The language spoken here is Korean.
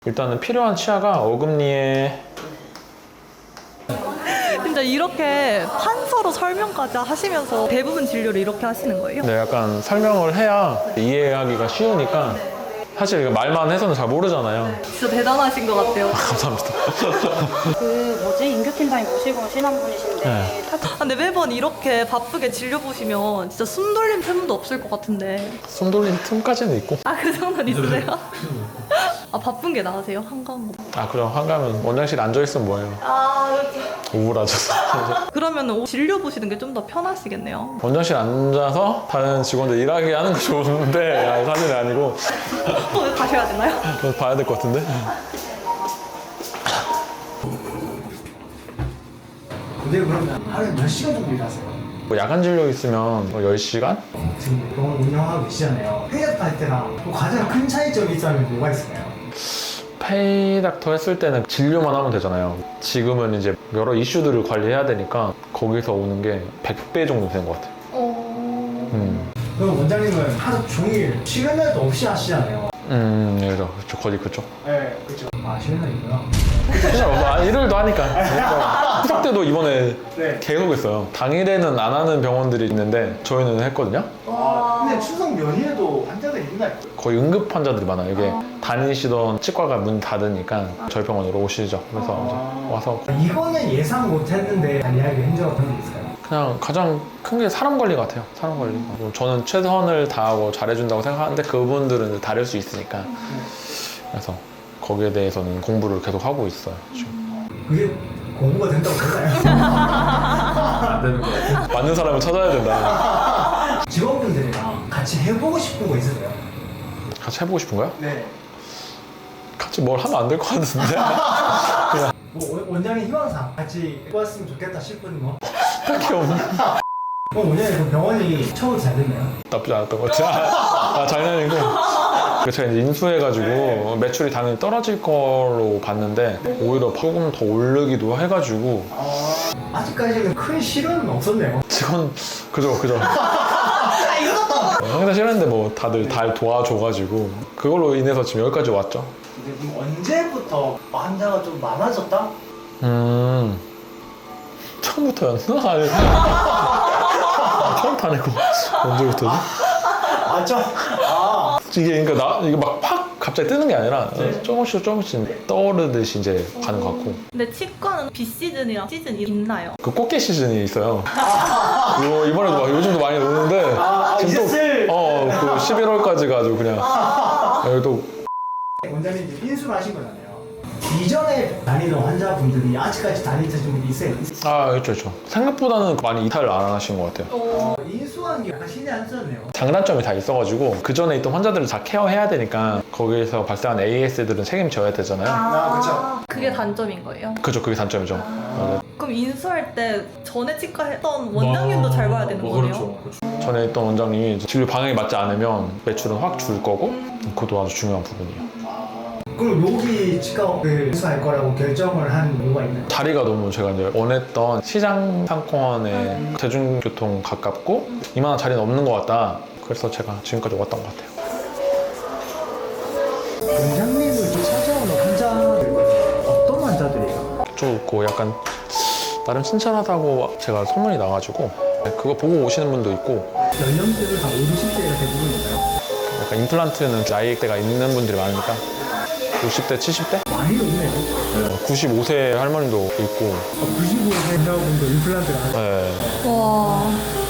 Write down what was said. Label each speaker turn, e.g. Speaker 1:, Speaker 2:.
Speaker 1: 일단은 필요한 치아가 어금니에
Speaker 2: 진짜 이렇게 판서로 설명까지 하시면서 대부분 진료를 이렇게 하시는 거예요?
Speaker 1: 네, 약간 설명을 해야 이해하기가 쉬우니까 사실 말만 해서는 잘 모르잖아요.
Speaker 2: 진짜 대단하신 것 같아요.
Speaker 1: 감사합니다.
Speaker 3: 인교팀장님 모시고 오신 한 분이신데
Speaker 1: 네.
Speaker 2: 근데 매번 이렇게 바쁘게 진료 보시면 진짜 숨 돌림 틈도 없을 것 같은데.
Speaker 1: 손 돌린 틈까지는 있고.
Speaker 2: 아, 그 정도는 있으세요? 아, 바쁜 게 나으세요? 한가한 거.
Speaker 1: 아, 그럼 한가면 원장실 앉아있으면 뭐예요?
Speaker 2: 아,
Speaker 1: 우울하죠.
Speaker 2: 그러면 진료 보시는 게 좀 더 편하시겠네요.
Speaker 1: 원장실 앉아서 다른 직원들 일하게 하는 거 좋은데 아, 사실은 아니고
Speaker 2: 또 가셔야 되나요?
Speaker 1: 그래서 봐야 될 것 같은데.
Speaker 4: 근데 그러면 하루에 몇 시간 정도 일하세요?
Speaker 1: 뭐 야간 진료 있으면 뭐 10시간?
Speaker 4: 지금 병원 운영하고 계시잖아요. 페이닥터 할 때랑 또 가장 큰 차이점이 있다면 뭐가 있을까요?
Speaker 1: 페이닥터 했을 때는 진료만 하면 되잖아요. 지금은 이제 여러 이슈들을 관리해야 되니까 거기서 오는 게 100배 정도 되는 것 같아요.
Speaker 4: 그럼 원장님은 하루 종일 쉬는 날도 없이 하시잖아요.
Speaker 1: 네, 그렇죠. 거의 그쪽.
Speaker 4: 네, 그렇죠. 아, 쉬는 날이구나.
Speaker 1: 그냥 일요일도 하니까. 그러니까 추석 때도 이번에
Speaker 4: 네.
Speaker 1: 계속 했어요. 당일에는 안 하는 병원들이 있는데 저희는 했거든요.
Speaker 4: 아, 근데 추석 연휴에도 환자들이 있나요?
Speaker 1: 거의 응급 환자들이 많아요. 이게 다니시던 치과가 문 닫으니까 저희 병원으로 오시죠. 그래서 이제 와서
Speaker 4: 이거는 예상 못했는데 이야기 힘들었던 게 있을까요?
Speaker 1: 그냥 가장 큰 게 사람 관리 같아요. 사람 관리. 저는 최선을 다하고 잘해준다고 생각하는데 그분들은 다를 수 있으니까. 그래서 거기에 대해서는 공부를 계속 하고 있어요. 지금.
Speaker 4: 그게 공부가 된다고 되나요?
Speaker 1: 안 되는 거예요. 맞는 사람을 찾아야 된다.
Speaker 4: 직원분들이랑 같이 해보고 싶은 거 있으세요?
Speaker 1: 같이 해보고 싶은 거야?
Speaker 4: 네.
Speaker 1: 같이 뭘 하면 안 될 것 같은데.
Speaker 4: 뭐 원장님 희망상 같이 해봤으면 좋겠다 싶은 거?
Speaker 1: 딱히 없는.
Speaker 4: 원장님 그 병원이 처음 잘 됐나요?
Speaker 1: 나쁘지 않았던 것 같아요. 아, 장난이고. 제가 이제 인수해가지고 매출이 당연히 떨어질 거로 봤는데 오히려 조금 더 오르기도 해가지고
Speaker 4: 아직까지는 큰 실현은 없었네요.
Speaker 1: 직원 그죠. 항상 싫었는데 뭐 다들 도와줘가지고 그걸로 인해서 지금 여기까지 왔죠.
Speaker 4: 근데 그럼 언제부터 환자가 좀 많아졌다?
Speaker 1: 처음부터였나? 아니, 처음부터 아니고 언제부터지?
Speaker 4: 맞죠?
Speaker 1: 이게 그러니까 이게 막 팍 갑자기 뜨는 게 아니라 조금씩 떠오르듯이 이제 가는 것 같고.
Speaker 2: 근데 치과는 비시즌이랑 시즌이 있나요?
Speaker 1: 그 꽃게 시즌이 있어요. 이번에도 막 요즘도 많이 오는데
Speaker 4: 이제
Speaker 1: 그 11월까지 가지고 그냥 여기도
Speaker 4: 원장님 이제 인수를 하신 거잖아요. 이전에 다니던 환자분들이 아직까지 다니시는 분이 있어요.
Speaker 1: 그렇죠. 생각보다는 많이 이탈을 안 하신 것 같아요.
Speaker 4: 인수한 게 약간 신의 한 수였네요.
Speaker 1: 장단점이 다 있어가지고 그 전에 있던 환자들을 다 케어해야 되니까 거기에서 발생한 AS들은 책임져야 되잖아요.
Speaker 4: 그쵸.
Speaker 2: 그게 단점인 거예요?
Speaker 1: 그죠, 그게 단점이죠. 맞아요.
Speaker 2: 그럼 인수할 때 전에 치과 했던 원장님도 잘 봐야 되는 거네요?
Speaker 1: 전에 있던 원장님이 진료 방향이 맞지 않으면 매출은 확 줄 거고 그것도 아주 중요한 부분이에요.
Speaker 4: 그럼 여기 치과를 인수할 거라고 결정을 한 이유가 있나요?
Speaker 1: 자리가 너무 제가 이제 원했던 시장 상권에 대중교통 가깝고 이만한 자리는 없는 것 같다. 그래서 제가 지금까지 왔던 것 같아요.
Speaker 4: 원장님을 좀 찾아오는 환자들 어떤 환자들이에요?
Speaker 1: 좋고 약간 나름 친절하다고 제가 소문이 나가지고 그거 보고 오시는 분도 있고
Speaker 4: 연령대를 다 5, 60대가 대부분인가요?
Speaker 1: 약간 임플란트는 나이대가 있는 분들이 많으니까 60대, 70대?
Speaker 4: 많이 높네요.
Speaker 1: 95세 할머니도 있고
Speaker 4: 95세 환자분도 임플란트가
Speaker 1: 네.
Speaker 2: 와,